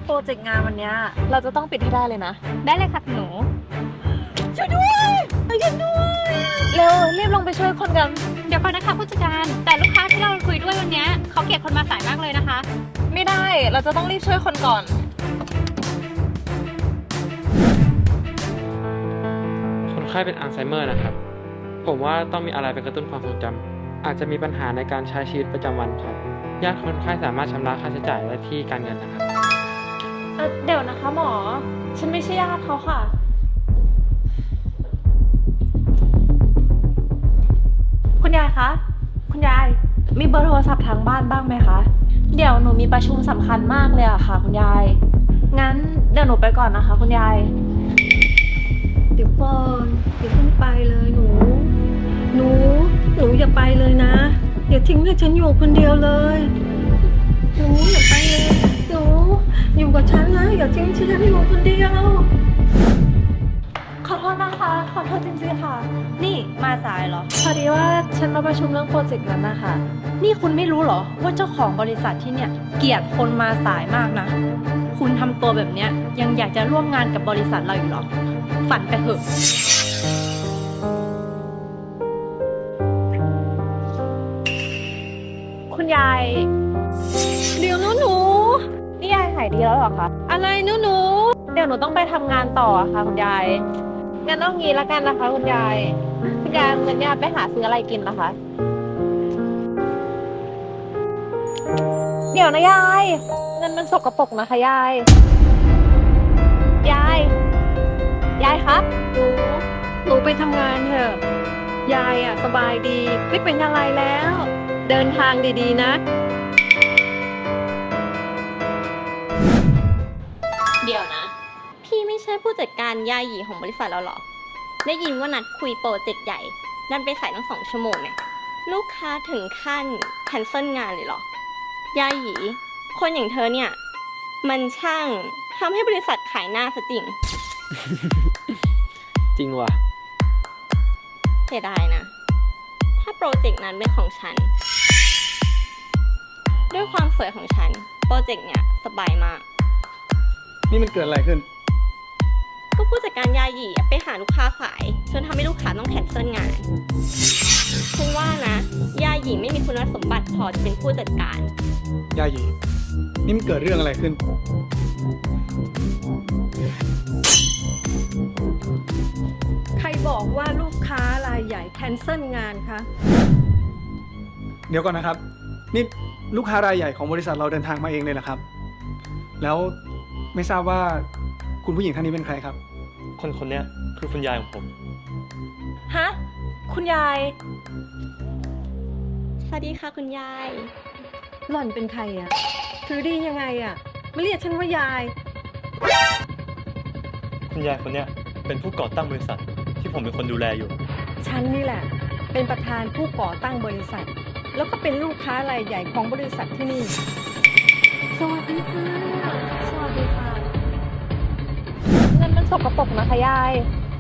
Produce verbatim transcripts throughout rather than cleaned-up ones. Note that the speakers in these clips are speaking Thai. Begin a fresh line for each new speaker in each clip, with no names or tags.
โปรเจกต์งานวันนี้เราจะต้องปิดให้ได้เลยนะ
ได้เลยค่ะหนู
ช่วยด้วยช่วยด้วยเร็วรีบลงไปช่วยคนกัน
เดี๋ยวก่อนนะคะผู้จัดการแต่ลูกค้าที่เราคุยด้วยวันนี้เขาเกลียดคนมาสายมากเลยนะคะ
ไม่ได้เราจะต้องรีบช่วยคนก่อน
คนไข้เป็นอัลไซเมอร์นะครับผมว่าต้องมีอะไรไปกระตุ้นความทรงจำอาจจะมีปัญหาในการใช้ชีวิตประจำวันครับญาติคนไข้สามารถชำระค่าใช้จ่ายได้ที่การเงินนะครับ
เอ่อเดี๋ยวนะคะหมอฉันไม่ใช่ญาติเขาค่ะคุณยายคะคุณยายมีเบอร์โทรศัพท์ทางบ้านบ้างไหมคะเดี๋ยวหนูมีประชุมสำคัญมากเลยอะค่ะคุณยายงั้นเดี๋ยวหนูไปก่อนนะคะคุณยาย
เดี๋ยวก่อนอย่าเพิ่งไปเลยหนูหนูหนูอย่าไปเลยนะอย่าทิ้งให้ฉันอยู่คนเดียวเลยหนูอย่าไปเลยหนูอยู่กับฉันนะอย่าทิ้งฉันอยู่คนเดียว
ขอโทษนะคะขอโทษจริงๆค่ะนี่มาสายเหรอพอดีว่าฉันมาประชุมเรื่องโปรเจกต์นั้นนะคะนี่คุณไม่รู้เหรอว่าเจ้าของบริษัทที่เนี่ยเกลียดคนมาสายมากนะคุณทำตัวแบบเนี้ยยังอยากจะร่วมงานกับบริษัทเราอยู่หรอฝันไปเถอะคุณยาย
เดี๋ยวนะหนู
นี่ยายหายดีแล้วเหรอคะ
อะไรนะหนู
เดี๋ยวหนูต้องไปทำงานต่อค่ะคุณยายงั้นต้องงี้ละกันนะคะคุณยายคุณยายเงินเนี่ยไปหาซื้ออะไรกินนะคะเดี๋ยวนะยายเงินมันสกปรกนะคะยายยายยายครับ
หนูหนูไปทำงานเถอะยายอ่ะสบายดีไม่เป็นอะไรแล้วเดินทางดีๆนะ
เดี๋ยวนะพี่ไม่ใช่ผู้จัดการยาหยีของบริษัทเราหรอได้ยินว่านัดคุยโปรเจกต์ใหญ่ดันไปสายตั้งสองชั่วโมงเนี่ยลูกค้าถึงขั้นแคนเซิลงานเลยหรอยาหยีคนอย่างเธอเนี่ยมันช่างทำให้บริษัทขายหน้าซะจริง
จริงว่ะ
เสียดายนะถ้าโปรเจกต์นั้นเป็นของฉันด้วยความสวยของฉันโปรเจกต์เนี่ยสบายมาก
นี่มันเกิดอะไรขึ้น
ก็ผู้จัดการยาหยีไปหาลูกค้าสายจนทำให้ลูกค้าต้องแคนเซิลงานฉันว่านะยาหยีไม่มีคุณสมบัติพอจะเป็นผู้จัดการ
ยาหยีนี่มันเกิดเรื่องอะไรขึ้น
ใครบอกว่าลูกค้ารายใหญ่แคนเซิลงานคะ
เดี๋ยวก่อนนะครับนี่ลูกค้ารายใหญ่ของบริษัทเราเดินทางมาเองเลยนะครับแล้วไม่ทราบว่าคุณผู้หญิงท่านนี้เป็นใครครับ
คนคนนี้คือคุณยายของผม
ฮะคุณยาย
สวัสดีค่ะคุณยาย
หล่อนเป็นใครอะถือดียังไงอะไม่เรียกฉันว่ายาย
คุณยายคนนี้เป็นผู้ก่อตั้งบริษัทที่ผมเป็นคนดูแลอยู่
ฉันนี่แหละเป็นประธานผู้ก่อตั้งบริษัทแล้วก็เป็นลูกค้ารายใหญ่ของบริษัทที่นี่
สวัสดีค่ะสวัสดีค่ะเงินมันสกปรกนะคะยาย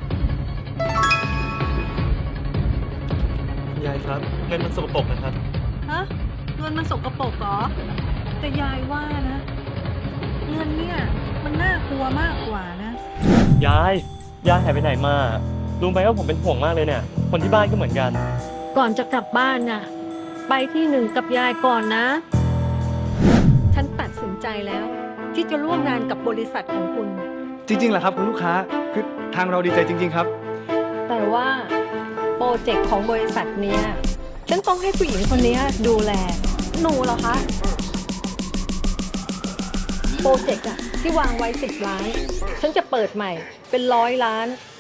คุณยายครับเงินมันสกปรกนะครับ
ฮะเงินมันสกปรกเหรอแต่ยายว่านะเงินเนี่ยมันน่ากลัวมากกว่านะ
ยายยายหายไปไหนมารู้ไหมว่าผมเป็นห่วงมากเลยเนี่ยคนที่บ้านก็เหมือนกัน
ก่อนจะกลับบ้านน่ะไปที่หนึ่งกับยายก่อนนะฉันตัดสินใจแล้วที่จะร่วมงานกับบริษัทของคุณ
จริงๆเหรอครับคุณลูกค้าคือทางเราดีใจจริงๆครับ
แต่ว่าโปรเจกต์ของบริษัทเนี้ยฉันต้องให้ผู้หญิงคนนี้ดูแล
หนูเหรอคะ
โปรเจกต์อะที่วางไว้สิบล้านฉันจะเปิดใหม่เป็นร้อยล้าน